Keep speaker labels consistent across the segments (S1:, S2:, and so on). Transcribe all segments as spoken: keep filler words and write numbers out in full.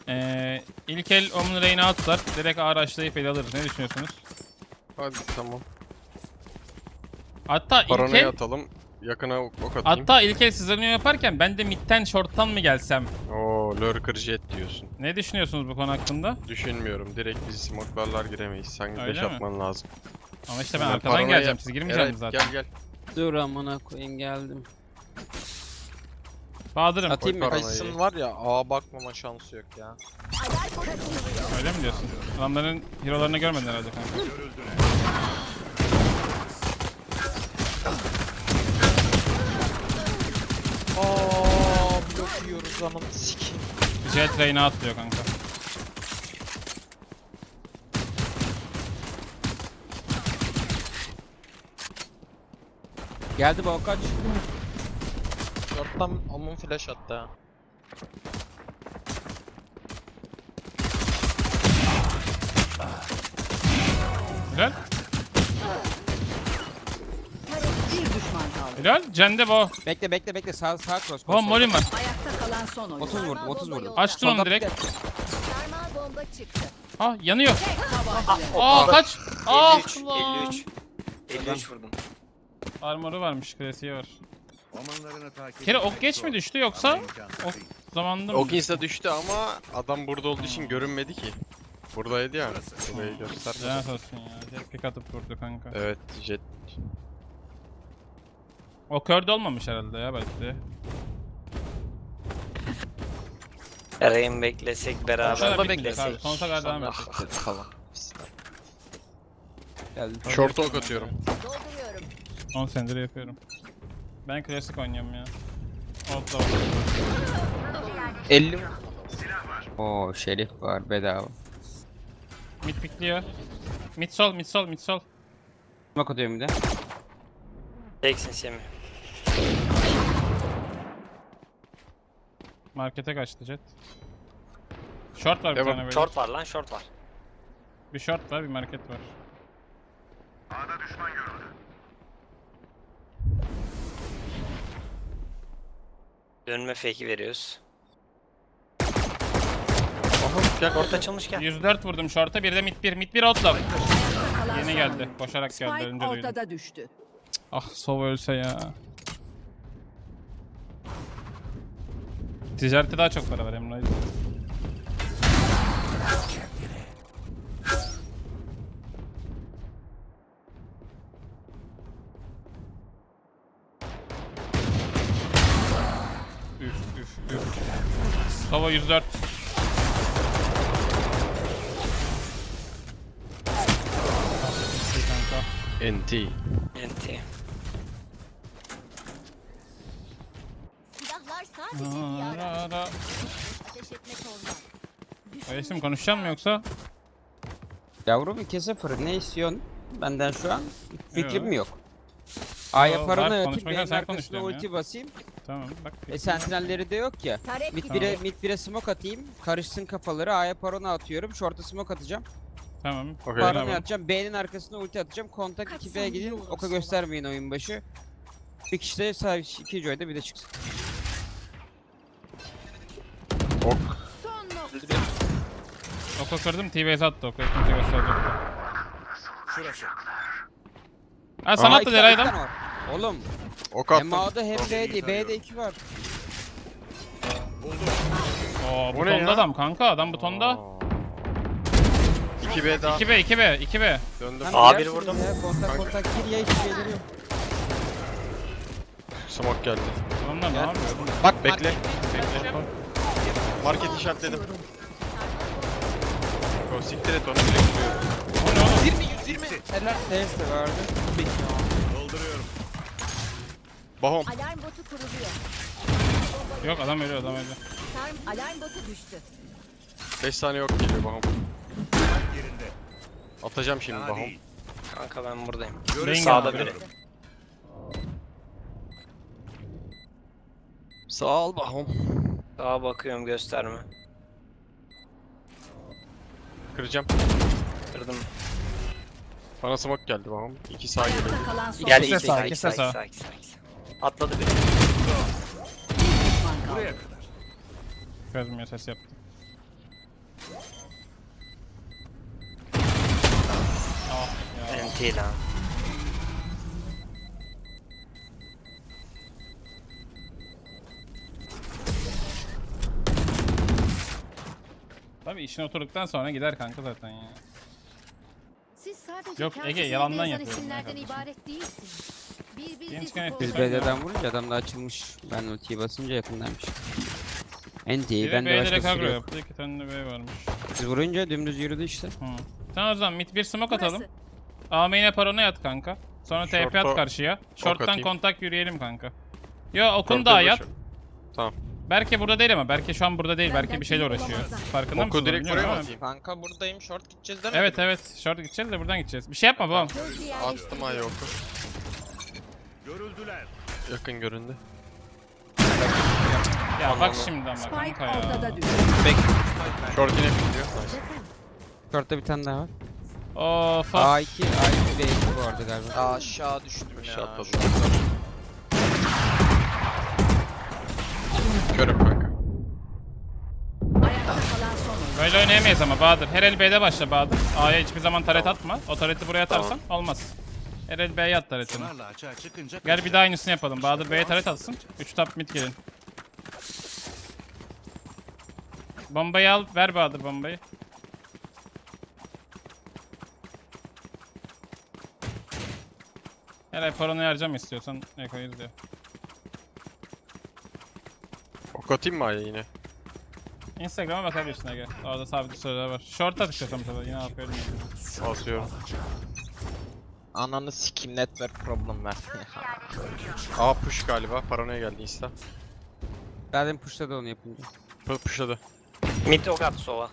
S1: Ee, ilk el Omen Rain'i atlar. Direkt ağır açlayıp el alırız. Ne düşünüyorsunuz?
S2: Hadi tamam.
S1: Hatta ilk
S2: Paranoya
S1: el,
S2: atalım. Yakına ok ok atayım.
S1: hatta ilk el sizlerle yaparken ben de midden short'tan mı gelsem?
S2: Oo, lurker jet diyorsun.
S1: Ne düşünüyorsunuz bu konu hakkında?
S2: Düşünmüyorum. Direkt biz smoke'larlar giremeyiz. Sen
S1: Öyle
S2: beş
S1: mi?
S2: atman lazım.
S1: Ama işte ben
S2: Hemen
S1: arkadan
S2: paranoya-
S1: geleceğim. Siz girmeyeceksiniz
S2: Evet,
S1: zaten.
S2: gel gel.
S3: Dur amına koyayım geldim.
S1: Bahadır'ım.
S3: Atayım mı?
S2: Koy
S4: Kayısın var ya, ağa bakmama şansı yok ya.
S1: Öyle mi diyorsun? Adamların hero'larını görmedin herhalde kanka.
S4: Aa, blok yiyoruz zaman sikeyim.
S1: Jet Rain'i atlıyor kanka.
S3: Geldi bu kaç.
S4: Short'tan Amun flash attı ha.
S1: Helal.
S5: Bir düşman kaldı.
S1: Helal. Cende bo.
S3: Bekle bekle bekle sağ sağ cross. cross
S1: Bo molim var.
S5: Ayakta kalan son oyun.
S3: otuz vurdum otuz vurdum.
S1: Açtın onu
S3: Solda
S1: direkt.
S3: bir de-
S6: Sarmal bomba çıktı.
S1: Ah yanıyor.
S5: Tabanca.
S1: Aa kaç. Ah
S7: elli üç,
S1: lan.
S7: elli üç. elli üç vurdum.
S1: Armoru varmış, klasiği var.
S8: Ormanlarını takip
S1: Kere
S8: etmek
S1: ok geç mi
S8: zor.
S1: düştü yoksa
S8: Ama imkansız
S1: ok
S8: değil.
S1: zamanında mı?
S2: Ok insta düştü ama adam burada olduğu için görünmedi ki. Buradaydı ya. Burayı göstermedi.
S1: Lanet olsun ya. Jet pick atıp vurdu kanka.
S2: Evet, jet.
S1: O körde olmamış herhalde ya belki de.
S7: Arayın beklesek beraber
S1: Şurada bekle
S7: beklesek.
S1: abi. Sonsuza kadar devam edecek.
S4: Dedi falan.
S3: Geldi.
S2: Short ok atıyorum.
S6: Dolduruyorum.
S1: on senedir yapıyorum. Ben klasik oynuyorum ya. Outlaw.
S3: elli. Oo şerif var bedava.
S1: Mid pickliyor. Mid sol, mid sol, mid sol.
S3: Bak atıyorum bir de.
S7: Teksin Semih.
S1: Markete kaçtı Jet. Short var bir
S2: Devam.
S1: tane böyle.
S7: Short var lan, short var.
S1: Bir short var, bir market var.
S7: Dönme fake'i veriyoruz.
S2: Aha, gel.
S7: Short açılmış gel.
S1: yüz dört vurdum short'a, bir de mid bir, mid bir outlaw.
S5: Kalan
S1: Yeni
S5: son
S1: geldi,
S5: oyun.
S1: koşarak geldi,
S5: Spike
S1: önce duydum.
S5: ortada düştü.
S1: Ah Sova ölse ya. Ticarette daha çok para var Emre. Üf üf üf. Sova yüz dört. İyi kanka.
S2: N T.
S7: Enti.
S6: Silahlar sadece bir araç.
S1: Ara, ara.
S6: Ateş etmek olmaz.
S1: Resim konuşacak mı yoksa?
S3: Yavrum iki sıfır ne istiyorsun? Benden şu an fikrim
S1: Yok.
S3: yok. A'ya
S1: Yo,
S3: parona
S1: var,
S3: atayım,
S1: konuşmak
S3: B'nin
S1: sen konuş
S3: arkasına
S1: diyorum ya.
S3: ulti basayım.
S1: Tamam bak.
S3: E sentinelleri de yok ya.
S6: Tarek
S3: Mid
S6: gitti.
S3: bire, mid bire smoke atayım. Karışsın kafaları. A'ya parona atıyorum. Short'a smoke atacağım.
S1: Tamam.
S2: Okey.
S3: Parona
S1: Tamam.
S3: atacağım. B'nin arkasına ulti atacağım. Kontak
S5: Kaç
S3: iki B'ye
S5: saniye
S3: gidin.
S5: olur
S3: Oka
S5: sonra?
S3: göstermeyin oyun başı. Bir kişi de sağ iki joy'da bir de çıksın.
S2: Ok.
S6: Son nokta.
S1: Oku kırdım, T-Base attı oku. Kimse gösterecek.
S8: Şurası.
S1: Ha sana
S2: Aa,
S1: attı
S3: iki
S1: Deray
S3: tane
S1: adam.
S3: var. Oğlum
S2: Ok
S3: hem
S2: attım.
S3: A'da hem B'de. B'de iki var.
S8: Buldum.
S1: Oo
S2: O ne
S1: butonda
S2: ya?
S1: adam kanka, adam butonda.
S2: iki B daha.
S1: iki B, iki B, iki B.
S2: Döndüm.
S3: Hem
S7: Aa, bir
S3: girersiniz
S7: vurdum.
S3: Ya. Kontak
S2: Kanka.
S3: kontak gir ya hiçbir şeyleri yok.
S2: Smoke geldi.
S1: Onlar ne yapıyor?
S2: Bak bekle. Bekle. Market işaretledim. Go siktir et onu direkt vuruyorum.
S1: O ne oğlum?
S4: yirmi yüz yirmi.
S3: Helal test de vardı.
S8: Dolduruyorum.
S2: Bahom.
S6: Alarm botu kuruluyor.
S1: Yok adam ölüyor, adam ölüyor.
S6: Sarm alarm botu düştü.
S2: beş saniye yok geliyor Bahom.
S8: Yerinde.
S2: Atacağım şimdi
S8: Daha
S2: Bahom.
S8: değil.
S7: Kanka ben buradayım.
S8: Görüş
S7: Sağda
S1: geldi.
S7: biri.
S2: Sağ ol Bahom.
S7: Sağa bakıyorum, gösterme.
S2: Kıracağım.
S7: Kırdım.
S2: Bana smoke geldi Bahom. İki sağ geliyor.
S5: Ayakta kalan son
S7: Gel
S5: oyun.
S1: İkisi
S7: iki
S1: sağ,
S7: sağ, iki
S1: ikisi
S7: sağ,
S1: sağ.
S7: iki sağ, iki sağ, iki sağ. Atladı biri.
S5: Bir düşman kaldı.
S8: Buraya kadar.
S1: Gözümüyor, ses yaptı. Ah ya.
S7: N T lan.
S1: Tabii işin oturduktan sonra gider kanka zaten ya.
S6: Siz sadece
S1: Yok,
S6: kağıt
S1: Ege,
S6: üzerinde
S1: yalandan
S6: yazan
S1: yapıyorum ya
S6: isimlerden
S1: kardeşim.
S6: ibaret değilsiniz. Birbirinizi
S1: Genç gayet
S6: kollayın.
S3: Biz B'den vurunca adam da açılmış. Ben ultiyi basınca yakındaymış. Enti'yi
S1: Biri
S3: ben de
S1: B'de
S3: başkası
S1: agro
S3: yok.
S1: yaptı. İki tane de B varmış.
S3: Biz vurunca dümdüz yürüdü işte.
S1: Hı. Tamam o zaman mid bir smoke atalım.
S6: Burası.
S1: A main'e parona yat kanka. Sonra T P at
S2: Short'a
S1: karşıya. Short'tan
S2: atayım.
S1: kontak yürüyelim kanka. Yo okun
S2: Short'a
S1: da yat.
S2: uğraşıyorum. Tamam.
S1: Berke burada değil ama Berke şu an burada değil. Berke bir şeyle uğraşıyor. Farkında
S2: Oku
S1: mısın?
S2: direkt buraya mı
S1: Ama-
S2: atayım?
S4: Kanka buradayım short gideceğiz demedim.
S1: Evet evet. Short gideceğiz de buradan gideceğiz. Bir şey yapma babam.
S6: Gözcü
S2: Attım
S6: yerleştiriliyor.
S2: ayı oku.
S8: Görüldüler.
S2: Yakın göründü.
S1: Ya bak şimdi ama
S5: Spike
S1: kanka ya.
S5: ortada düştü.
S2: Short yine gidiyor. Nice.
S3: Short'ta bir tane daha var.
S1: Of of.
S3: A iki, A iki, B iki bu arada galiba.
S4: Aa, aşağı düştüm
S2: Aşağı
S4: ya.
S2: atladım. Körüm kanka.
S5: Ayakta kalan son oyuncu.
S1: Böyle oynayamayız ama Bahadır. Her el B'de başla Bahadır. A'ya hiçbir zaman taret atma. O tareti buraya atarsan olmaz. Her el B'ye at taretini.
S8: Sonarla açığa çıkınca
S1: Gel bir daha aynısını yapalım. Bahadır B'ye taret atsın. üç top mid gelin. Bombayı al. Ver Bahadır bombayı. Her ay paranı harcam istiyorsan Eko'yu izle.
S2: Ok atayım mı ayı yine?
S1: Instagram'a bakabilirsin Ege. Orada sabit sorular var. Short at istiyorsan tabii. Yine aferin.
S2: Atıyorum.
S4: Ananı sikim network problem ver.
S2: A push galiba. Paranoya geldi insta.
S3: Zaten pushladı onu yapınca.
S2: P pushladı.
S7: Mid ok attı sova.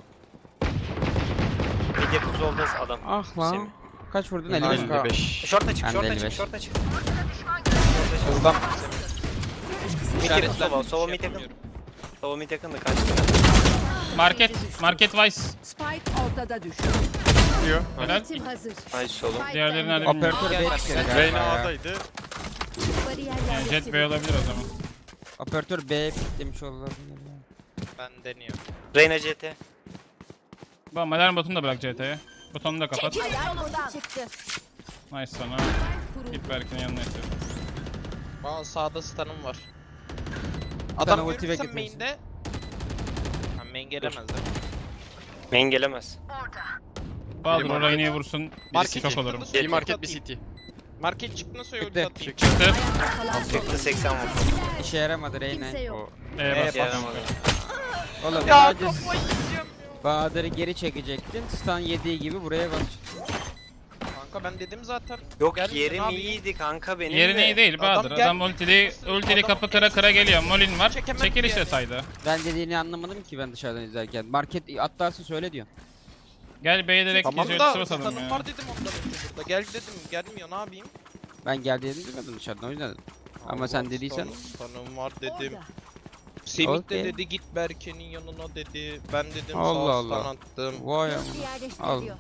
S7: Mid yakın solda adam.
S3: Ah lan.
S7: Semih.
S3: Kaç vurdun? elli beş K.
S2: elli beş.
S7: Şorta çık,
S3: Ben de
S7: şorta
S3: elli
S7: çık,
S3: beş.
S7: şorta çık.
S4: Hızlan.
S7: Mid yakın sova, sova mid yakın. Sova mid yakındı kaçtı.
S1: Market. Market Vice.
S5: Spike ortada düştü.
S2: Gidiyor.
S1: Helal.
S6: Ultim hazır.
S7: Nice oğlum.
S6: Spike
S1: Diğerlerini
S6: bende.
S1: hadi bilmiyorum.
S3: Operatör B çıkıyor galiba
S2: Reyna
S3: ya.
S2: A'daydı.
S6: Bariyer
S1: Yani Jet B
S6: yerleştiriliyor.
S1: olabilir o zaman.
S3: Operatör B piklemiş olabilir.
S4: Ben deniyorum.
S7: Reyna C T.
S1: Bak alarm botunu da bırak C T'ye. Butonunu da kapat.
S6: Alarm botu çıktı.
S1: Nice sana. Git Berk'in yanına istiyorsan.
S4: Aa sağda stun'ım var.
S3: Sana
S4: Adam
S3: ulti
S4: görürsem
S3: bekletmesin.
S4: main'de. Ha main gelemez değil mi?
S7: Main gelemez.
S1: Bahadır
S2: Biri
S1: orayı niye vursun?
S4: Market
S1: Şok olurum.
S4: çıktı.
S2: Bir market bir city.
S4: Market çıktığında söyle ulti
S3: Bekle.
S4: atayım.
S1: Çıktı.
S5: Ayakta kalan son
S7: Çıktı seksen vurdu.
S3: İşe yaramadı Reyna.
S6: Kimse yok.
S1: E
S4: Evet,
S1: bas.
S7: Yaramadı.
S3: Oğlum
S4: Ya
S3: sadece
S4: kafayı yiyeceğim.
S3: Bahadır'ı geri çekecektin. Stun yediği gibi buraya bas.
S4: Kanka ben dedim zaten.
S7: Yok
S4: Gelmeyince ne
S7: yerim
S4: yapayım?
S7: iyiydi kanka benim
S1: Yerin
S7: de.
S1: iyi değil Bahadır.
S4: Adam
S1: Adam
S4: gel-
S1: ultili, ultili
S4: Adam-
S1: kapı kıra kıra geliyor. Molin var.
S4: Çekemez
S1: Çekil
S4: diye.
S1: işte saydı.
S3: Ben dediğini anlamadım ki ben dışarıdan izlerken. Market atlarsa söyle diyor.
S1: Gel B'ye direkt
S4: Tamam
S1: gece
S4: da
S1: ultisi basalım
S4: stun'ım
S1: ya.
S4: var dedim ondan önce burada. Gel dedim gelmiyor ne yapayım?
S3: Ben geldiğini demedim dışarıdan o yüzden dedim. Ama sen dediysen-
S4: Stun'ım, stun'ım var dedim.
S5: Orada.
S4: Semih de
S3: Okey.
S4: dedi git Berke'nin yanına dedi. Ben dedim
S3: Allah
S4: sağ
S3: Allah.
S4: stun attım.
S3: Vay
S6: Gözcü
S3: amına.
S6: yerleştiriliyor.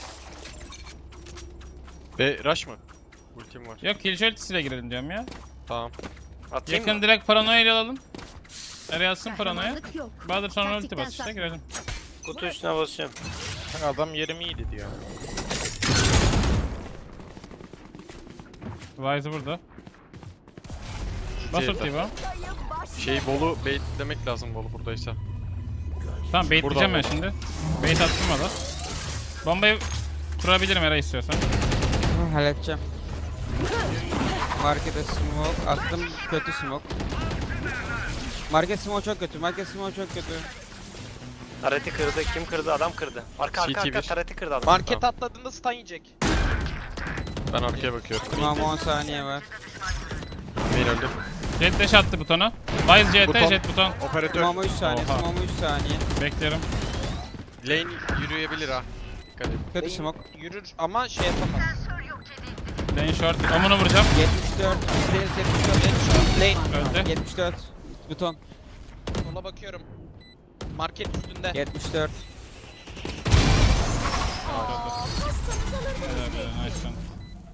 S2: B rush mı? Ultim var.
S1: Yok Killjoy ultisiyle girelim diyorum ya.
S2: Tamam.
S7: Atayım
S1: Yakın
S7: mı?
S1: direkt paranoya ile alalım. Nereye atsın paranoya?
S6: Kahramanlık yok.
S1: Bahadır sonra ulti
S6: Taktikten
S1: bas işte
S6: saklı.
S1: girelim.
S7: Kutu üstüne basıyorum.
S4: Kanka adam yerim iyiydi diyor.
S1: Wise'ı burada. Bas
S2: Şey,
S1: ultiyi bu.
S2: Şey Bolu baitlemek lazım Bolu buradaysa.
S1: Tamam baitleyeceğim ben
S2: Burada
S1: şimdi. Bait attım o da. Bombayı kurabilirim Eray istiyorsan.
S3: Hı, halledeceğim. Markete smoke attım kötü smoke. Market smoke çok kötü. Market smoke çok kötü.
S7: Tareti kırdı. Kim kırdı? Adam kırdı. Arka arka
S2: C T
S7: arka
S2: bir.
S7: tareti kırdı adam.
S4: Market atladığında stun yiyecek.
S2: Ben arkaya bakıyorum.
S3: Tamam on saniye var.
S2: Main öldü.
S1: Jet dash attı butona. Wise C T
S2: Buton.
S1: jet buton.
S2: Operatör.
S3: Tamam üç saniye.
S1: Oha.
S3: Tamam üç saniye.
S1: Bekliyorum.
S2: Lane yürüyebilir ha. Dikkat et.
S3: Kötü
S4: Lane
S3: smoke.
S4: Yürür ama şey yapamaz.
S1: Lane short. Omunu vuracağım.
S3: yetmiş dört. Deniz yetmiş dört.
S4: Lane
S1: Öldü.
S3: yetmiş dört. Buton.
S4: sola bakıyorum. Market üstünde.
S3: yetmiş dört.
S1: Helal be, nice one.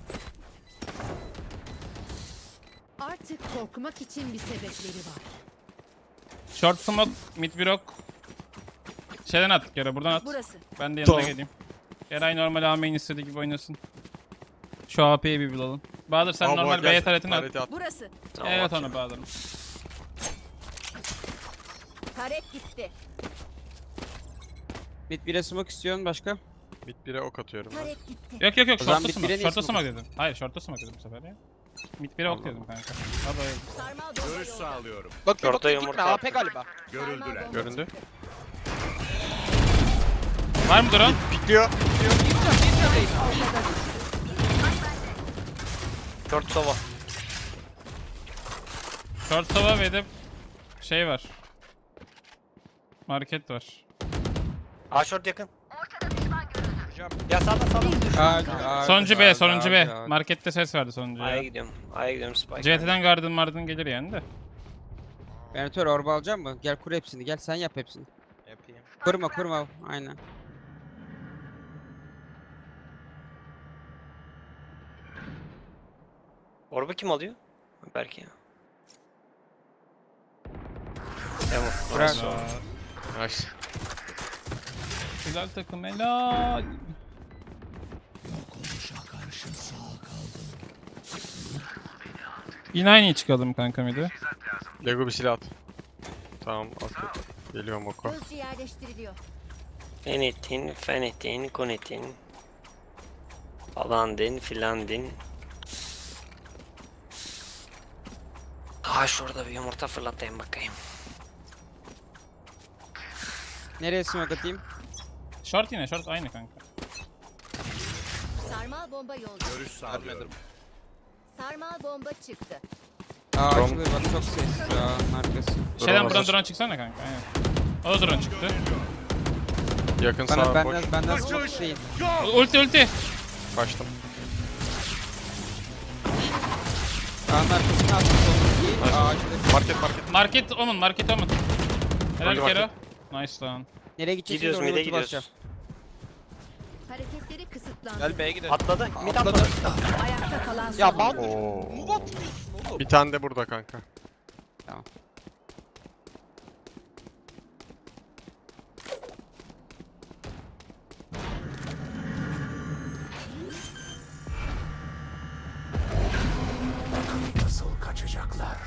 S6: Artık korkmak için bir sebepleri var.
S1: Short smoke, mid bir ok. Şeyden at yere buradan at.
S6: Burası.
S1: Ben de yanına
S2: Tamam.
S1: geleyim. Eray normal A main istediği gibi oynasın. Şu A P'yi bir bulalım. Bahadır sen
S2: Aa, bu
S1: normal
S2: gel.
S1: B'ye taretini at.
S2: Tareti at.
S5: Burası.
S7: Tamam,
S1: Evet
S7: atıyorum.
S1: onu Bahadır'ım.
S5: Taret gitti.
S3: Mid bire smoke istiyorsun başka?
S2: Mid bire ok atıyorum ben.
S6: Taret gitti.
S1: Yok yok yok
S3: O zaman
S1: short'ta
S3: mid
S1: smoke.
S3: bire niye
S1: Short'ta
S3: smoke
S1: smoke dedim. Hayır short'ta smoke dedim bu sefer ya. Mid bire ok
S3: Allah
S1: dedim kanka. Hadi hayır.
S5: Sarmal bomba
S8: Görüş
S5: yolda.
S8: sağlıyorum.
S4: Bak
S7: Orta
S4: bak gitme
S7: yumurta
S4: A P
S7: attım.
S4: galiba.
S8: Görüldüler.
S2: Göründü.
S1: Var mı drone?
S2: Pikliyor.
S7: Short sova.
S1: Short sova ve de şey var. Market var.
S7: A short yakın. Ya sağda sağda.
S3: Ağacı, ağacı,
S1: Sonuncu B,
S3: ağacı,
S1: sonuncu
S3: ağacı,
S1: B.
S3: ağacı.
S1: Markette ses verdi sonuncu
S7: A'ya
S1: ya.
S7: gidiyorum. A'ya gidiyorum spike.
S1: C T'den garden mardın gelir yani de.
S3: Benatör orba alacak mı? Gel kur hepsini. Gel sen yap hepsini.
S4: Yapayım.
S3: Kurma kurma. Aynen.
S7: Orba kim alıyor? Belki ya. Tamam.
S3: Bırak.
S1: Aa,
S2: Nice.
S1: güzel takım helal. Yine aynı çıkalım kanka mıydı?
S2: Lego bir silah at. Tamam at. Geliyorum oku.
S6: Hızlıca yerleştiriliyor.
S7: Fenitin, fenitin, konitin. Falan din, filan din. Ha şurada bir yumurta fırlatayım bakayım.
S3: Nereye smoke atayım?
S1: Short yine short aynı kanka.
S6: Sarmal bomba yolda.
S8: Görüş sağlıyorum.
S6: Sarmal bomba çıktı.
S3: Aa
S2: Drone.
S3: açılıyor bak çok sessiz ya arkası.
S1: Şeyden buradan
S2: hazır.
S1: drone çıksana kanka. Aynen. O da drone çıktı.
S2: Yakın
S3: Bana
S2: sağ boş.
S3: benden benden smoke isteyin.
S1: Ulti ulti.
S2: Kaçtım.
S3: Ağın arkasına attım solundaki ağacı.
S2: Market market.
S1: Market omun market omun. Helal
S2: Öldü
S1: Kero.
S2: market.
S1: Nice lan.
S3: Nereye gideceksin?
S7: Gidiyoruz
S3: Oraya
S7: mid'e
S3: ulti basacağım.
S7: gidiyoruz.
S6: Hareketleri kısıtlandı.
S4: Gel B'ye gidelim.
S7: Atladı. Mid
S4: Atladı.
S7: atladı.
S5: Ayakta kalan son
S4: Ya
S5: oyuncu.
S4: Bahadır.
S2: Oo.
S4: Move atmıyorsun oğlum.
S2: Bir tane de burada kanka.
S8: Nasıl kaçacaklar?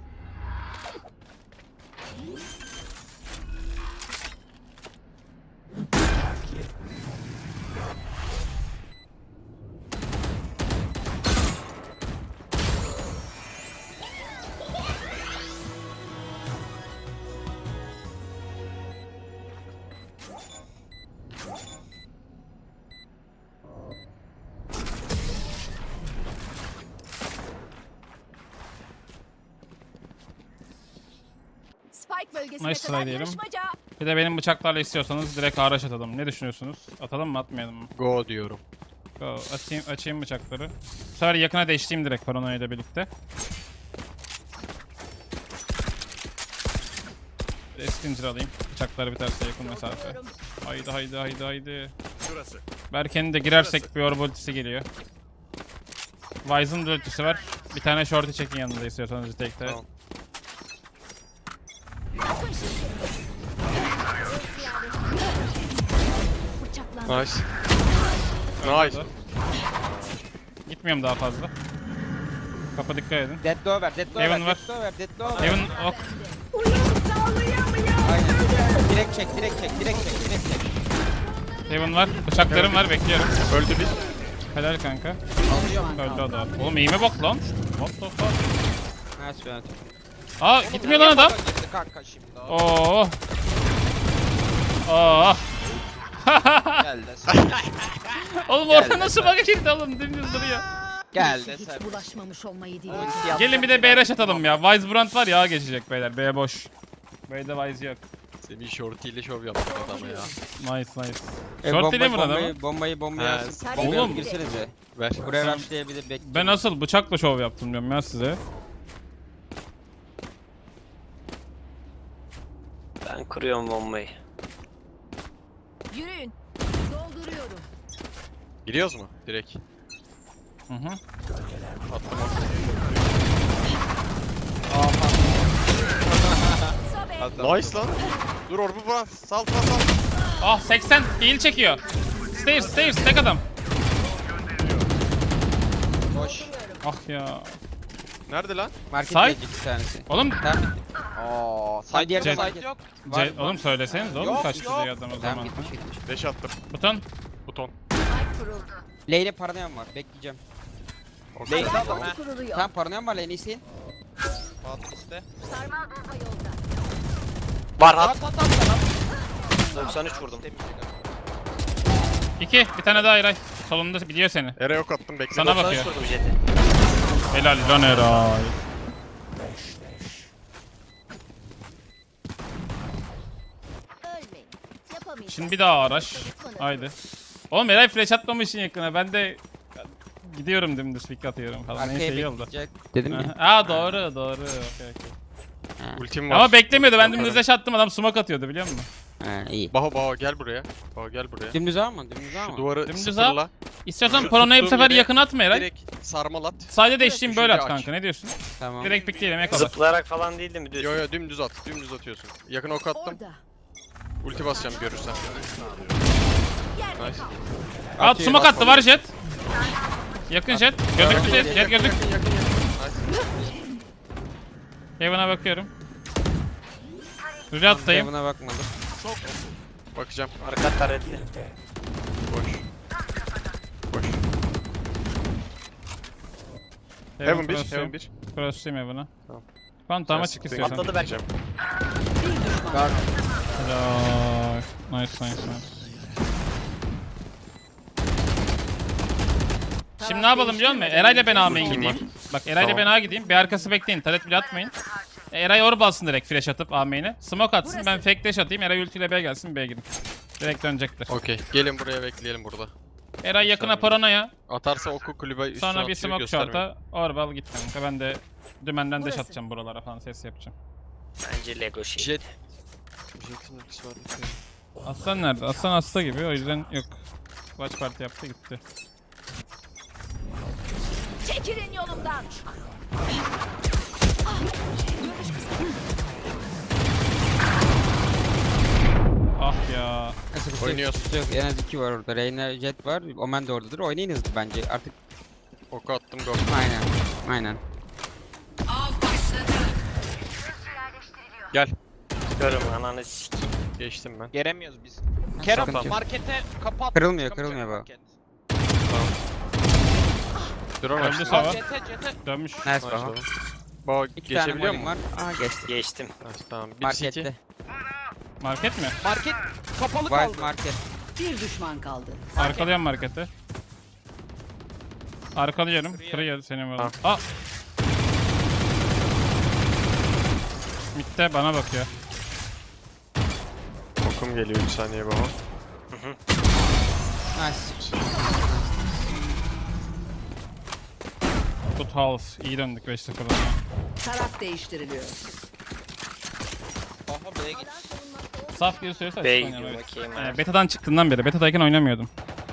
S5: Spike bölgesine
S1: Nice try
S5: kadar
S1: diyelim.
S5: yarışmaca.
S1: Bir de benim bıçaklarla istiyorsanız direkt araç atalım. Ne düşünüyorsunuz? Atalım mı atmayalım mı?
S2: Go diyorum.
S1: Go. Atayım, açayım bıçakları. Bu sefer yakına değiştiğim direkt paranoya ile birlikte. Eskincir alayım. Bıçakları biterse yakın mesafe. Haydi haydi haydi haydi.
S8: Şurası.
S1: Berke'nin de girersek bir orb ultisi geliyor. Wise'ın da ultisi var. Bir tane shorty çekin yanında istiyorsanız tekte.
S2: Tamam.
S6: Bıçaklandı.
S2: Nice. Nice.
S1: Gitmiyorum daha fazla. Kapa dikkat edin.
S3: Dead door ver, dead door ver,
S1: Heaven var.
S3: dead door ver, dead door ver.
S1: Heaven ok.
S3: Aynen. Direkt çek, direkt çek, direkt çek, direkt çek.
S1: Heaven var. Bıçaklarım var bekliyorum.
S2: Öldü bir.
S1: Helal kanka. Öldü o da. Oğlum eğime bak lan. What the fuck?
S3: Nice Benatör.
S1: Aa gitmiyor lan adam.
S4: Girdi kanka şimdi.
S1: Oo. Oo.
S4: Gel de sen.
S1: Oğlum orada nasıl bak girdi oğlum dümdüz duruyor.
S4: Gel de
S5: Hiç
S4: sen.
S5: bulaşmamış olmayı değil.
S4: Ulti yap.
S1: Gelin bir de B rush atalım ya. Wise Brand var ya geçecek beyler. B boş. B'de Wise yok.
S2: Senin shorty ile şov yaptın adama ya.
S1: Nice nice.
S3: E,
S1: Short
S3: bombayı-
S1: değil mi lan adamı?
S3: bombayı, bombayı, bombayı
S2: He,
S3: alsın.
S5: Taret
S3: Bombayı
S1: Oğlum.
S5: gitti.
S3: girsenize.
S2: Ver.
S3: Buraya rushlayabilir, bekle.
S1: Ben asıl bıçakla şov yaptım diyorum ya size.
S7: Ben kuruyorum bombayı.
S5: Yürüyün. Dolduruyorum.
S2: Giriyoruz mu? Direkt.
S1: Hı hı.
S2: Attım.
S5: Sobe.
S2: Nice lan. Dur orbu bırak. Sal sal sal.
S1: Ah seksen heal çekiyor. stairs, stairs. Tek adam.
S3: Boş.
S1: Ah ya.
S2: Nerede lan?
S3: Market
S1: Side.
S3: gelecek bir tanesi.
S1: Oğlum,
S3: Tamam.
S4: Aa,
S3: Side yerine
S1: Jet.
S3: market.
S4: yok.
S3: Var.
S1: C- oğlum söyleseniz oğlum
S4: Yok,
S1: kaçtı
S4: yok.
S1: diye adam o
S3: Tamam
S1: zaman.
S3: gitmiş gitmiş.
S2: Beş attım.
S1: Buton.
S2: Buton.
S3: Lane'e paranoyam var. Bekleyeceğim.
S2: Okey.
S4: Lane adam ha.
S5: Kuruluyor.
S3: Tamam paranoyam var lane'i isteyin.
S4: At işte.
S5: Sarmal bomba yolda.
S7: Var hat.
S4: At at at at.
S7: doksan üç vurdum.
S1: İki. Bir tane daha Eray. Solunda biliyor seni.
S2: Ere ok attım bekle.
S1: Sana
S7: doksan
S1: bakıyor.
S7: üç vurdum jeti.
S1: Helal lan Eray.
S5: Ölmeyin. Yapamayacağım.
S1: Şimdi bir daha araç. Haydi. Oğlum Eray flash atmamışsın yakına. Ben de gidiyorum dümdüz pick atıyorum falan. Neyse
S3: Arkaya
S1: iyi oldu.
S3: bekleyecek. Dedim ya.
S1: Aa doğru doğru. Okey okey.
S2: Ultim var.
S1: Ama beklemiyordu. Ben dümdüz
S2: Yaparım.
S1: dash attım. Adam smoke atıyordu biliyor musun?
S3: Ha iyi.
S2: Baho Baho gel buraya. Baho gel buraya.
S3: Dümdüz ama dümdüz
S2: Şu
S3: ama.
S2: duvarı
S1: Dümdüz
S2: sıfırla.
S1: İstiyorsan
S2: Şu
S1: Prona'yı bu
S2: tuttuğum
S1: sefer
S2: yere
S1: yakın atma Eray.
S2: Direkt sarmal at.
S1: Sadece değiştiğim böyle at
S2: Üçüncü aç.
S1: kanka. Ne diyorsun?
S3: Tamam.
S1: Direkt pickleyelim ek alır.
S7: Zıplayarak falan değil de mi düz?
S2: Yo yo dümdüz at. Dümdüz atıyorsun. Yakın ok attım.
S5: Orada.
S2: Ulti basacağım görürsen.
S5: Yerde
S2: Nice.
S5: kal.
S1: At smoke attı var jet. Yakın jet. Gözüktü jet. Jet gözük.
S2: Yakın yakın yakın. Nice.
S1: Heaven'a bakıyorum. Rüyattayım.
S3: Buna bakmadım.
S2: Bakacağım.
S7: Arka taretli.
S2: Boş. Boş. Heaven bir. Heaven bir.
S1: Cross'tayım Heaven'a.
S2: Tamam.
S1: Phantom'a çık istiyorsan.
S7: Atladı belki.
S1: Helal. Nice nice nice. Şimdi ne yapalım biliyor musun? Eray'la ben A'main gideyim. Bak Eray'la
S2: Tamam.
S1: ben A gideyim. Bir arkası bekleyin. Taret bile atmayın. E, Eray orb alsın direkt flash atıp A-main'e. Smoke atsın ben fake dash atayım. Eray ultiyle B gelsin B'ye gidin. Direkt dönecektir.
S2: Okey. Gelin buraya bekleyelim burada.
S1: Eray yakına paranoya.
S2: Atarsa oku kulübe üstüne
S1: Sonra bir
S2: atıyor,
S1: smoke
S2: göstermiyor.
S1: short'a. Orb al git kanka. Ben de dümenden dash
S5: Burası.
S1: atacağım buralara falan ses yapacağım.
S7: Bence Lego şey.
S2: Jet. Jet'in ultisi var.
S1: Aslan nerede? Aslan hasta gibi o yüzden yok. Watch party yaptı gitti.
S5: Çekilin yolumdan.
S1: Ah ya.
S3: Neyse, bir şey
S2: Oynuyoruz.
S3: yok, yok. En az iki var orada. Reyna Jet var. Omen de oradadır. Oynayın hızlı bence. Artık
S2: Oku attım go.
S3: aynen. Aynen.
S2: Gel.
S7: Görüm ananı sikeyim.
S2: Geçtim ben.
S4: Gelemiyoruz biz.
S3: Sıkıntı
S4: Kerem
S3: yok.
S4: markete kapat.
S3: Kırılmıyor,
S4: Çıkamayacak
S3: kırılmıyor bu.
S4: market.
S2: Drone
S1: Öldü
S2: açtım.
S1: sağ.
S4: Aa,
S1: var.
S4: Cete cete.
S1: Dönmüş.
S3: Nice
S2: Nice
S3: baba.
S2: oğlum. Baho
S3: İki tane
S2: geçebiliyor
S3: mollim
S2: musun?
S3: var. Aa geçti.
S7: Geçtim.
S2: Nice, tamam. Bir
S3: Markette.
S2: city.
S1: Market mi?
S4: Market kapalı
S3: Wild
S4: kaldı.
S3: market.
S5: Bir düşman kaldı.
S1: Arkalıyorum marketi. Arkalıyorum. Kırıyor senin oğlum. Aa. Mid'de bana bakıyor.
S2: Okum geliyor bir saniye Baho.
S3: Nice.
S1: Good house. İyi döndük beş sıfır'dan.
S5: Taraf değiştiriliyor.
S4: Aha B'ye git.
S1: Saf gibi söylüyorsa
S7: B'ye
S1: açık
S7: gidiyor
S1: oynayalım, evet.
S7: bakayım.
S1: Ee, beta'dan çıktığından beri. Beta'dayken oynamıyordum.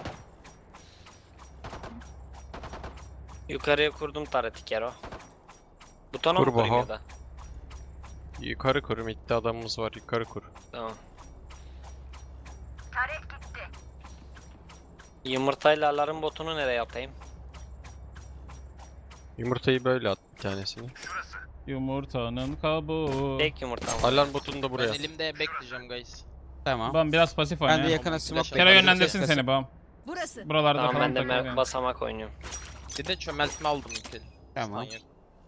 S7: Yukarıya kurdum tareti Kero. Butona
S2: Kur
S7: mı kurayım
S2: Baho.
S7: ya da?
S2: Yukarı kur. Mid'de adamımız var. Yukarı kur.
S7: Tamam. Yumurtayla alarm botunu nereye atayım?
S2: Yumurtayı böyle at bir tanesini.
S1: Yumurtanın kabuğu.
S7: Tek yumurtam var.
S2: Alarm botunu da buraya
S4: Ben
S2: at.
S4: elimde bekleyeceğim guys.
S3: Tamam.
S1: Bam biraz pasif
S3: Ben de
S1: oyna.
S3: yakına smoke
S4: Kero
S1: Kero
S3: bekliyorum.
S1: yönlendirsin
S3: Ses-
S1: seni bam.
S5: Burası.
S1: Buralarda
S7: Tamam
S1: falan
S7: ben de
S1: takıl
S7: mer-
S1: yani.
S7: basamak oynuyorum.
S4: Bir de çömeltme aldım ilk el.
S3: Tamam.
S4: Stun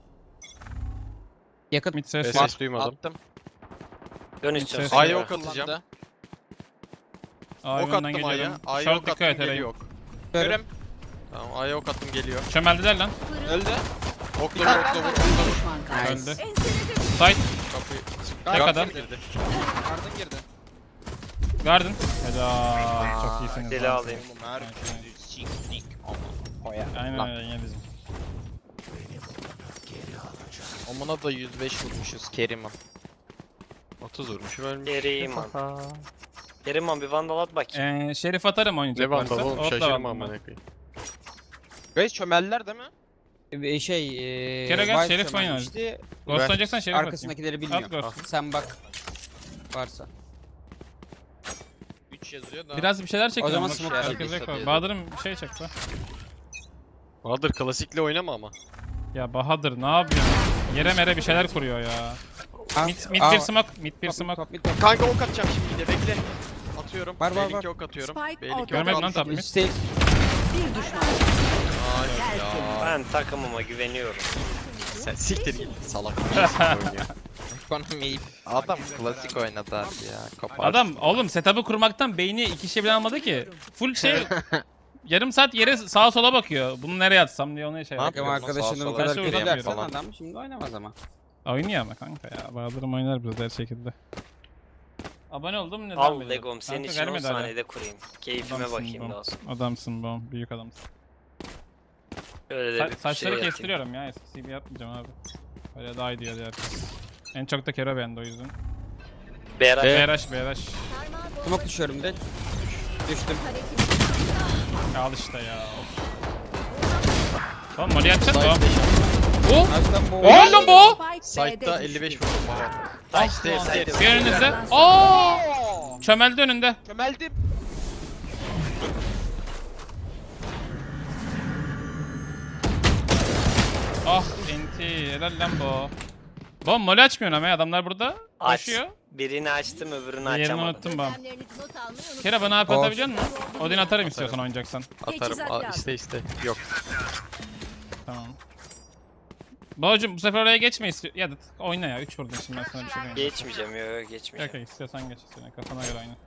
S3: Yakın.
S1: Mid ses.
S2: Ses
S1: var.
S2: ses duymadım.
S4: Attım.
S7: Dön
S1: Ses-
S7: istiyorsan.
S2: A'ya
S7: Kero.
S2: ok atacağım.
S4: Kullandı.
S1: Aa,
S2: Ok
S1: yönden
S2: attım A'ya.
S1: geliyorum.
S2: A'ya
S1: Short
S2: ok
S1: dikkat
S2: attım
S1: et Eray.
S2: geliyor ok.
S4: Görüm.
S2: Tamam A'ya ok attım geliyor.
S1: Çömeldiler lan.
S4: Öldü.
S2: Okla vur okla vur okla vur.
S5: Düşman kaldı.
S3: Nice.
S1: Öldü.
S5: Enseledim.
S1: Side.
S2: Kapıyı.
S1: Tek
S2: Garden
S1: adam.
S2: girdi.
S4: Garden girdi.
S1: Garden. Helal. Çok iyisiniz.
S7: Deli
S1: lan.
S7: alayım.
S4: Oğlum her siknik ama. Koya.
S1: Aynen
S4: Lan.
S1: öyle yine bizim.
S4: Omuna da yüz beş vurmuşuz Kerim'e.
S2: otuz vurmuş ölmüş.
S7: Kerim an. Kerim an bir vandal at bakayım.
S1: Ee, Şerif atarım oynayacak
S2: Ne
S1: varsa.
S2: vandal oğlum
S1: Hop da
S2: şaşırma
S1: aldım
S2: amına
S1: ben.
S2: koyayım.
S4: Guys çömeldiler değil mi?
S3: Ee, Şey, eee...
S1: Kero gel,
S3: Wild
S1: Şerif oynar.
S3: çömelmişti.
S1: Ghost
S2: Ver.
S1: oynayacaksan Şerif atayım.
S3: Arkasındakileri
S1: At
S3: bilmiyorum.
S1: Ghost.
S3: Sen bak. Varsa.
S4: üç
S9: geziyor da.
S1: Biraz bir şeyler çekiyor.
S3: O zaman
S1: Bak,
S3: smoke
S1: herkes
S9: çekmiş
S1: yok.
S9: tabii.
S1: Bahadır'ım bir şey çekti.
S2: Bahadır klasikle oynama ama.
S1: Ya Bahadır ne yapıyorsun? Yere mere bir şeyler kuruyor ya.
S3: Aa,
S1: Mid, mid
S3: aa,
S1: bir smoke, mid bir
S3: top,
S1: smoke.
S3: top, mid, top.
S2: Kanka ok atacağım şimdi de bekle. Atıyorum.
S3: Var, var, var.
S2: B-Link'e ok atıyorum.
S5: Spike
S2: B-Link'e ok
S1: Görmedim lan
S2: attım.
S1: top mid.
S3: Üstte.
S5: Bir düşman.
S2: Ay ya.
S7: Ben takımıma güveniyorum.
S2: Sen siktir git salak. oynuyor.
S9: Ekonomi. Adam klasik oynadı abi ya. Kopar.
S1: Adam oğlum setup'ı kurmaktan beyni iki şey bile almadı ki. Full şey yarım saat yere sağa sola bakıyor. Bunu nereye atsam diye onu şey
S9: Ne
S1: yapıyor.
S3: Takım arkadaşını
S9: Sağa
S3: bu
S9: sola
S3: kadar
S1: yapıyor
S3: kötü dersen
S9: falan.
S3: adam şimdi oynamaz ama.
S1: Oynuyor ama kanka ya. Bahadır'ım oynar biraz her şekilde. Abone oldum neden
S7: Al
S1: böyle?
S7: Legom senin
S1: Kanka
S7: için on
S1: vermedi hala.
S7: saniyede kurayım. Keyfime
S1: Adamsın
S7: bakayım
S1: bom.
S7: daha sonra.
S1: Adamsın bom. Büyük adamsın.
S7: Öyle de
S1: Sa-
S7: bir
S1: saçları
S7: şey yapayım.
S1: kestiriyorum ya. Eskisi gibi yapmayacağım abi. Öyle daha iyi diyor diğer herkes. En çok da Kero beğendi o yüzden.
S7: Berat.
S1: Beyraş Beyraş.
S3: Smoke düşüyorum direkt. Düştüm.
S1: Ya al işte ya. Of. Tamam Molly atacağız mı? Bu?
S3: Açtan bu.
S1: Oğlum bu!
S2: Site'da elli beş vurdum baba.
S7: Ay,
S2: Stairs,
S7: ay,
S2: stairs.
S1: Bir önünüzde. Aa! Çömeldi önünde.
S9: Kömeldim.
S1: Ah enti. Helal lan bu. Bom Molly açmıyorsun ama ya. Adamlar burada.
S7: Aç.
S1: Koşuyor.
S7: Birini açtım öbürünü
S1: Yerini
S7: açamadım.
S1: unuttum bom.
S6: Gözlemlerinizi not almayı unutmayın.
S1: Kera bana AP
S3: Of.
S1: atabiliyor musun? Odin atarım istiyorsan oynayacaksan.
S2: Atarım.
S5: Teçhizat
S2: Aa,
S5: lazım.
S2: iste iste. Yok.
S1: Tamam. Babacım bu sefer oraya geçme istiyor. Ya da oyna ya. üç vurdun şimdi ben sana bir şey demiyorum.
S7: Geçmeyeceğim yok yok geçmeyeceğim.
S1: Okey istiyorsan geç. Senin kafana göre oyna.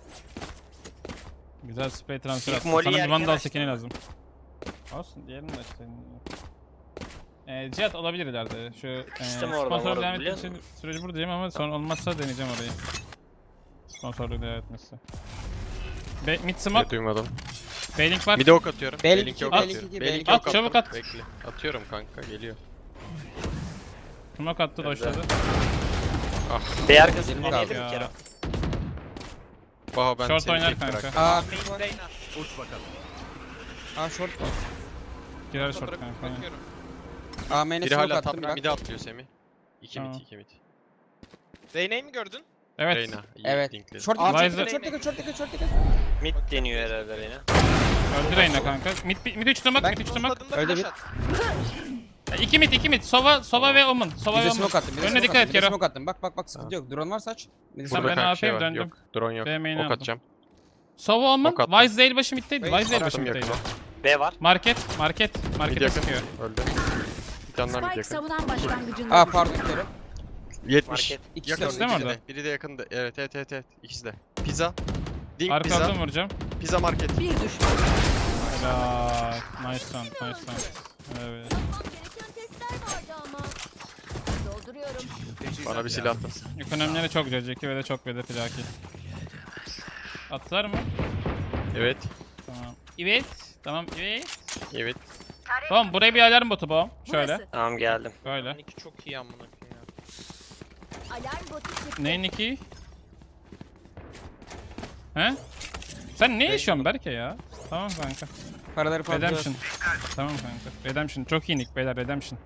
S1: Güzel spray transfer
S7: İlk
S1: attın.
S7: Molly'yi
S1: Sana bir
S7: erken
S1: vandal
S7: açtım.
S1: skin'i lazım. Olsun diğerini de işte. Ee, Cihat olabilir ileride. Şu e,
S7: İşte orada
S1: sponsorluk
S7: var,
S1: devam
S7: biliyor
S1: etmesi
S7: musun?
S1: süreci buradayım ama sonra olmazsa deneyeceğim orayı. Sponsorluk devam etmesi. Be mid
S2: Ne
S1: smoke.
S2: duymadım.
S1: Bailing var.
S2: Bir de ok atıyorum.
S3: Belki
S2: B-Link'e
S3: iki,
S2: ok
S3: belki
S2: atıyorum.
S3: iki,
S2: B-Link'e
S3: belki
S1: At,
S2: ok
S1: çabuk
S2: attım.
S1: at.
S2: Bekle. Atıyorum kanka geliyor.
S1: Smoke attı doşladı.
S7: B arkası
S3: Yerim
S7: deneyelim
S3: kaldı
S7: bir
S1: ya.
S7: kere.
S2: Baha ben
S1: Short
S2: seni
S1: oynar
S2: tek
S1: kanka.
S2: bıraktım.
S3: Aa,
S8: Uç bakalım.
S3: aa short var.
S1: Girer short
S9: Fotoğrafı
S1: kanka. aynen.
S9: bakıyorum.
S3: Aa main'e
S2: Biri
S3: smoke
S2: hala
S3: attım
S2: top
S3: bak.
S2: mid'e atlıyor Semih. İki
S1: Tamam.
S2: mid, iki mid.
S9: Zeynep'i mi gördün?
S1: Evet.
S2: Reyna. iyi
S3: Evet.
S2: linkledi.
S3: Short
S9: Aa,
S3: dikkat,
S1: Wise'ı-
S3: short dikkat, short dikkat, short dikkat.
S7: Mid deniyor herhalde yine.
S1: Öldü Reyna kanka. Mid, mid üç smoke,
S3: Ben
S1: mid üç smoke.
S9: Tadında
S3: Öyle
S9: flash
S3: bir-
S9: at.
S1: İki mid, iki mid. Sova, Sova ve Omen. Sova
S3: Bir
S1: ve
S3: de
S1: Omen.
S3: smoke attım, bir de
S1: Önüne
S3: smoke
S1: dikkat
S3: attım,
S1: et
S3: bir de
S1: Kero.
S3: smoke attım. Bak bak bak sıkıntı yok. Drone varsa aç. Bir de
S1: Sen
S3: smoke
S1: ben
S3: at.
S2: Burada
S1: A
S2: kanka şey
S1: P'yim
S2: var.
S1: döndüm.
S2: Yok. Drone yok.
S1: B main'e
S2: Ok
S1: aldım.
S2: atacağım.
S1: Sova Omen.
S2: Ok attım.
S1: Wise değil başı middeydi. Wise değil başı
S2: Attım
S1: middeydi.
S2: yakına.
S7: B var.
S1: Market, market.
S2: Mid
S1: Markete
S2: yakın.
S1: sıkıyor.
S2: Öldü. Bir tane daha mid
S5: Spike
S2: yakın.
S5: savunan başlangıcında.
S3: Aa pardon Kero.
S2: yetmiş.
S7: Market.
S3: İkisi de
S2: Yakın
S3: orada.
S1: mi
S2: ikisi
S1: orada?
S2: de. Biri de yakında. Evet evet evet evet. İkisi de. Pizza. Dink
S1: Arka
S2: pizza.
S1: aldım vuracağım.
S2: Pizza market.
S5: Bir düşman.
S1: Helal. Nice round, nice round. Evet.
S6: Gereken testler vardı ama. Dolduruyorum.
S2: Bana bir silah attın.
S1: Ekonomileri çok güzel. Jackie ve de çok ve de plaki. Atlar mı?
S2: Evet.
S1: Tamam. Evet. Tamam evet.
S2: Evet.
S1: Tamam buraya bir alarm botu bu. Şöyle.
S5: Burası.
S7: Tamam geldim.
S1: Böyle.
S9: Seninki çok iyi amına koyayım ya.
S6: Alarm botu çıktı.
S1: Neyin iki? He? Sen ne yaşıyorsun Berke ya? Tamam kanka.
S3: Paraları fazla.
S1: Redemption. Tamam kanka. Redemption. Çok iyi nick beyler. Redemption.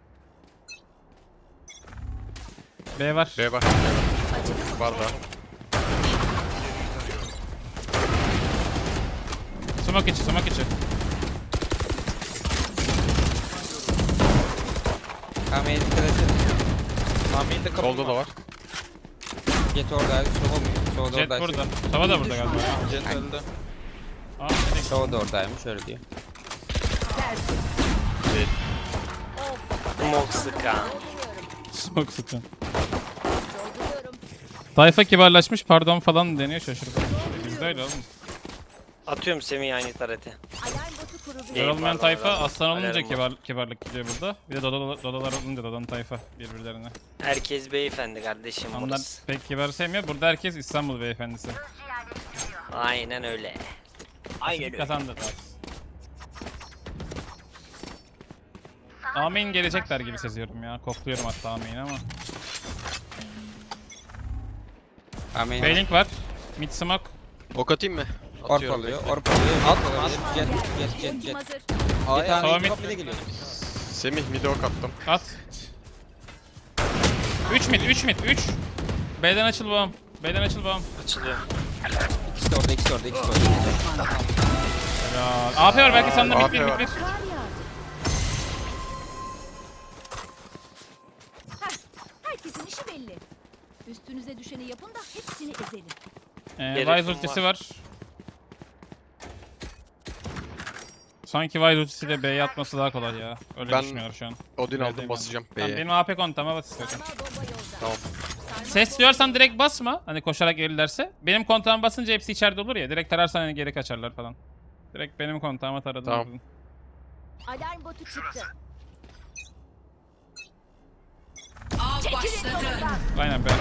S1: B var.
S2: B var. Var da.
S1: Smoke içi, smoke içi.
S3: Aa main'e dikkat et.
S9: Tahmin de kapı
S2: Solda da var.
S3: Jet oradaydı. Sova mı? Sova da
S1: Jet
S3: oradaydı.
S1: burada. Sova da burada galiba.
S9: Jet öldü.
S1: Aa, dedik.
S3: Sova da oradaymış öyle diyor.
S7: Smoke sıkan.
S1: Smoke sıkın.
S6: Dolduruyorum.
S1: Tayfa kibarlaşmış pardon falan deniyor şaşırdım. Bizde öyle oğlum.
S7: Atıyorum Semih aynı tarete.
S6: Alarm botu kuruldu.
S7: Değil,
S1: Yer olmayan
S7: var,
S1: tayfa
S7: var, var.
S1: aslan olunca
S7: Alarm var.
S1: kibar, kibarlık gidiyor burada. Bir de dodalar, dodalar olunca dodan tayfa birbirlerine.
S7: Herkes beyefendi kardeşim
S1: Onlar
S7: burası.
S1: pek kibar sevmiyor. Burada herkes İstanbul beyefendisi.
S7: Aynen öyle. Aynen öyle.
S1: Kazandı da. Amin gelecekler gibi seziyorum ya. Kokluyorum hatta Amin ama.
S3: Aa main'e.
S1: Bailing var. Mid smoke.
S2: Ok atayım mı?
S3: Orp
S2: Atıyorum.
S3: alıyor.
S2: bekle.
S3: Orp alıyor. At olabilir. Jet jet jet
S6: Ultim
S3: jet.
S6: hazır.
S3: Bir
S1: Sova
S3: tane
S1: mid.
S3: top bir de geliyor.
S2: Semih mid'e ok attım.
S1: At. üç mid, üç mid, üç. B'den açıl babam. B'den açıl babam.
S7: Açılıyor.
S3: İkisi de orada ikisi orada, ikisi de orada.
S5: Bir düşman kaldı.
S1: Ya, A P var belki sende
S2: A
S1: mid
S2: P
S1: bir
S2: var.
S1: mid bir.
S6: Kar yağdı.
S10: Herkesin işi belli. Üstünüze düşeni yapın da hepsini ezelim.
S1: Ee,
S7: Gerekim
S1: Wise ultisi
S7: var.
S1: var. Sanki Wise ultisiyle B'ye atması daha kolay ya. Öyle
S2: Ben-
S1: düşünüyor şu an.
S2: Odin
S1: Öyle
S2: aldım
S1: değil
S2: basacağım
S1: Tamam,
S2: B'ye.
S1: benim A P kontağıma bas istiyorsan.
S10: Sarmal bomba yolda.
S2: Tamam.
S1: Ses duyarsan direkt basma. Hani koşarak gelirlerse. Benim kontağıma basınca hepsi içeride olur ya. Direkt tararsan hani geri kaçarlar falan. Direkt benim kontağıma taradın.
S2: Tamam.
S1: vurdun.
S10: Alarm botu çıktı.
S5: Av başladı.
S1: Aynen be.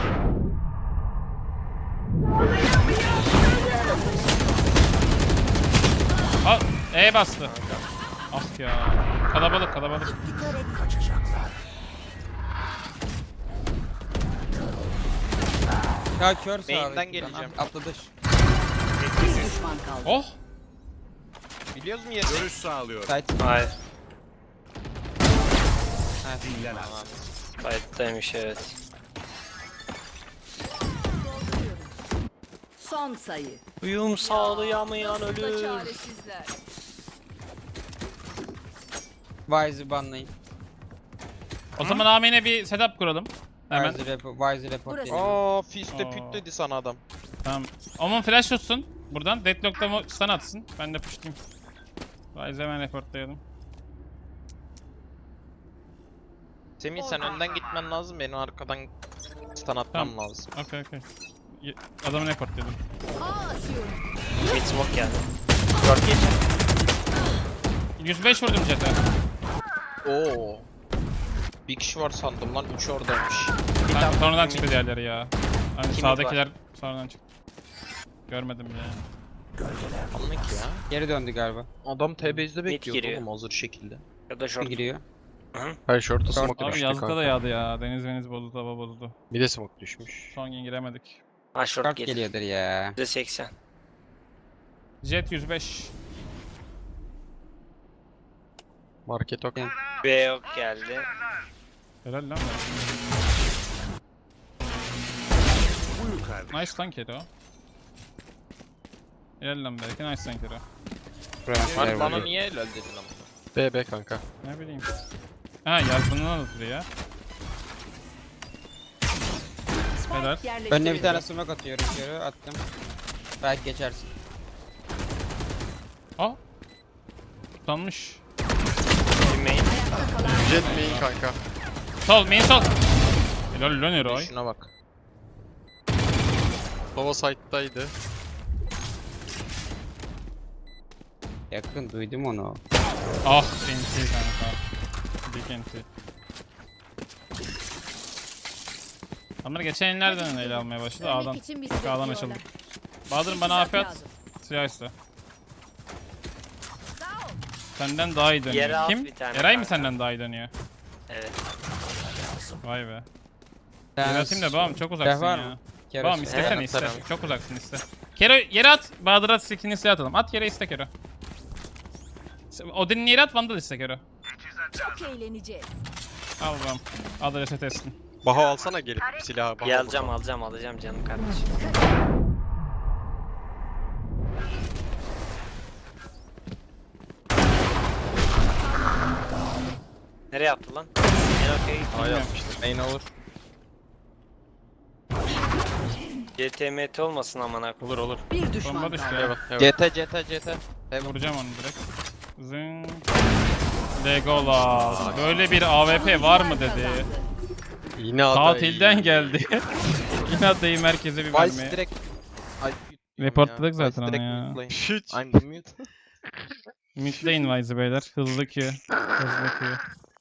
S1: Al, E bastı. Ah ya. Kalabalık kalabalık.
S8: Kaçacaklar.
S3: Ya kör
S9: Main'den
S3: sağdaki.
S9: geleceğim.
S3: Atladı.
S5: Bir düşman kaldı.
S1: Oh.
S9: Biliyoruz mu yerini?
S8: Görüş sağlıyorum.
S3: Site.
S7: Hayır.
S8: Dinlen az.
S7: Kayıttaymış evet.
S5: Son sayı.
S7: Uyum sağlayamayan
S10: Nasıl da
S7: ölür.
S10: çaresizler.
S3: Wise'ı banlayın.
S1: O zaman Amin'e bir setup kuralım. Hemen.
S3: Wise'ı report, Wise'ı report
S10: Burası.
S3: edin.
S9: Aa fiste
S1: Aa.
S9: püt dedi sana adam.
S1: Tamam. Omun flash tutsun. Buradan. Deadlock'ta mı stun atsın. Ben de pushlayayım. Wise hemen reportlayalım.
S9: Semih sen önden gitmen lazım, benim arkadan stun atmam
S1: Tamam.
S9: lazım.
S1: Okey okey. Ye- Adamı reportladım.
S10: Aa atıyorum.
S7: Mid smoke geldi. Short geçer.
S1: yüz beş vurdum jet'e.
S9: Oo. Bir kişi var sandım lan, üç oradaymış.
S1: Ben sonradan çıktı diğerleri ya. Hani
S7: Kim
S1: sağdakiler sonradan çıktı. Görmedim ya.
S9: Anlık ya.
S3: Geri döndü galiba.
S9: Adam T B'de bekliyor
S7: giriyor.
S9: oğlum hazır şekilde.
S7: Ya da
S3: Bir
S7: short.
S3: giriyor.
S2: Hayır short'a smoke
S1: Abi
S2: düştü
S1: yazlıkta da
S2: kanka.
S1: yağdı ya. Deniz deniz bozuldu, hava bozuldu.
S2: Bir de smoke düşmüş.
S1: Son gün giremedik.
S7: Ha short
S3: Kart
S7: gelir.
S3: geliyordur ya.
S7: yüzde seksen.
S1: Jet yüz beş.
S2: Market ok.
S7: B yok geldi.
S1: Helal lan.
S8: Buyur kardeşim.
S1: Nice lan Kero. Helal lan belki nice lan Kero.
S9: Var bana niye öyle dedin ama?
S2: B B kanka.
S1: Ne bileyim. Ha yazbından anlatılıyor ya. Helal.
S5: Spike yerleştirildi.
S3: Önüne bir tane smoke atıyorum. Geri attım. Belki geçersin.
S1: Aa. Tutanmış.
S7: Bir main.
S2: Jet main kanka.
S1: Sol, main sol. Helal lan Eroy.
S9: Şuna bak.
S2: Sova side'daydı.
S3: Yakın duydum onu.
S1: Ah, N T kanka. Big N T. Adamlar geçen ellerden ele almaya başladı.
S10: Ölmek
S1: A'dan.
S10: için bir
S1: A'dan
S10: sebep
S1: açıldı.
S10: diyorlar.
S1: Bahadır bana A P at.
S10: Lazım.
S1: Silah iste.
S10: Sağ ol.
S1: Senden daha iyi
S7: Yere
S1: dönüyor.
S7: at
S1: Kim?
S7: bir tane
S1: Eray mı
S7: kanka.
S1: senden daha iyi dönüyor?
S7: Evet.
S1: Vay be.
S3: Ben
S1: Yaratayım da babam çok uzaksın
S3: var
S1: ya.
S3: mı? Kero
S1: Babam
S3: söyle.
S1: istesene
S7: Evet,
S1: iste.
S9: atarım.
S1: Çok uzaksın iste. Kero yere at. Bahadır'a skillini silah atalım. At yere iste Kero. Odin'in yere at, Vandal iste Kero.
S10: Çok eğleneceğiz.
S1: Al babam. Al da reset etsin.
S2: Baho alsana gelip silahı. Baho
S7: Bir alacağım alacağım alacağım canım kardeşim. Nereye attı lan? En okey.
S2: A yapmıştı.
S9: Main olur.
S7: C T M T olmasın amına koyayım.
S2: Olur olur.
S5: Bir düşman
S1: Bomba düştü
S5: kaldı.
S1: ya.
S2: Evet evet.
S9: C T C T C T.
S1: Vuracağım onu direkt. Zing. Legolas. Böyle bir A W P var mı dedi.
S2: Yine aday.
S1: Tatilden geldi. Yine adayı merkeze bir
S9: Vice
S1: vermeye.
S9: direkt. Ay,
S1: Reportladık
S9: ya.
S1: zaten
S9: Vice
S1: onu
S9: direkt
S1: ya.
S9: mute'layın.
S2: Hiç.
S9: I'm the mute.
S1: Midlane Wise'ı beyler. Hızlı Q. Hızlı Q.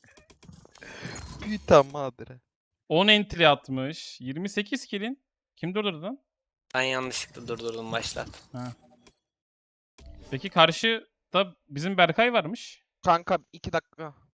S9: Puta madre.
S1: on entry atmış. yirmi sekiz kill'in. Kim durdurdu lan?
S7: Ben yanlışlıkla durdurdum başlat.
S1: Peki karşıda bizim Berkay varmış.
S9: Kanka iki dakika.